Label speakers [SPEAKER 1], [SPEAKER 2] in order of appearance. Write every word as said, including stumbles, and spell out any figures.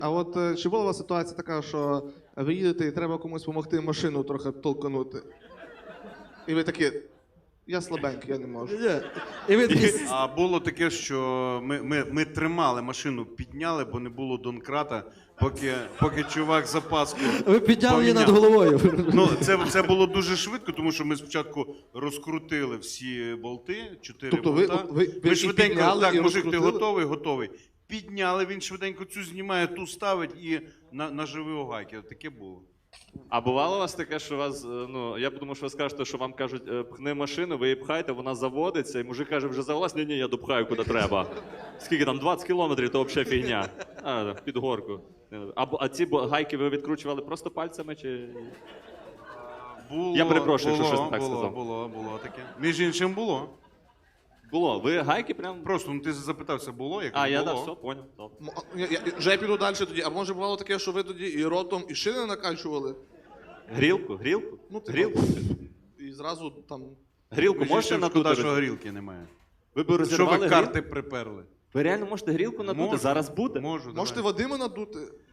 [SPEAKER 1] А от е, чи була у вас ситуація така, що ви їдете і треба комусь допомогти машину трохи толканути? І ви такі, я слабенький, я не можу.
[SPEAKER 2] І ви такі...
[SPEAKER 3] А було таке, що ми, ми, ми тримали машину, підняли, бо не було донкрата, поки, поки чувак запаску
[SPEAKER 2] Ви підняли її над
[SPEAKER 3] поміняв.
[SPEAKER 2] головою.
[SPEAKER 3] Ну, це, це було дуже швидко, тому що ми спочатку розкрутили всі болти, чотири
[SPEAKER 1] Тобто ви-
[SPEAKER 3] болта.
[SPEAKER 1] ви- ви
[SPEAKER 3] ми
[SPEAKER 1] і
[SPEAKER 3] швиденько,
[SPEAKER 1] підняли,
[SPEAKER 3] так,
[SPEAKER 1] і
[SPEAKER 3] мужик, ти
[SPEAKER 1] розкрутили?
[SPEAKER 3] готовий? Готовий. Підняли, він швиденько цю знімає, ту ставить і на, наживив огайки. Таке було.
[SPEAKER 4] А бувало у вас таке, що вас, е, ну, я подумав, що ви скажете, що вам кажуть, е, пхни машину, ви її пхаєте, вона заводиться, і мужик каже, вже завелась, ні-ні, я допхаю куди треба. Скільки там, двадцять кілометрів, то взагалі фігня. А, під горку. А, бо- а ці бо- гайки ви відкручували просто пальцями, чи...
[SPEAKER 3] Було,
[SPEAKER 4] Я перепрошую,
[SPEAKER 3] було,
[SPEAKER 4] якщо щось не так
[SPEAKER 3] було,
[SPEAKER 4] сказав.
[SPEAKER 3] Було, було таке. Між іншим було.
[SPEAKER 4] Було, ви гайки прям...
[SPEAKER 3] Просто, ну ти запитався, було, як
[SPEAKER 4] А, я,
[SPEAKER 3] було.
[SPEAKER 4] так, все, поняв. Добре.
[SPEAKER 1] М, а, я, я, вже я піду далі тоді. А може бувало таке, що ви тоді і ротом, і шини накачували?
[SPEAKER 4] Грілку, грілку?
[SPEAKER 1] Ну, типу,
[SPEAKER 4] Грілку?
[SPEAKER 1] І зразу там...
[SPEAKER 4] Грілку
[SPEAKER 3] Між
[SPEAKER 4] можете
[SPEAKER 3] іншим, шкода,
[SPEAKER 4] надути?
[SPEAKER 3] що горілки немає.
[SPEAKER 4] Ви б
[SPEAKER 3] Що
[SPEAKER 4] розірвали
[SPEAKER 3] ви
[SPEAKER 4] грілку?
[SPEAKER 3] карти приперли?
[SPEAKER 4] Ви реально можете грілку надути?
[SPEAKER 3] Можу.
[SPEAKER 4] Зараз буде?
[SPEAKER 3] Можу,
[SPEAKER 1] Можете
[SPEAKER 3] давай.
[SPEAKER 1] Вадима надути?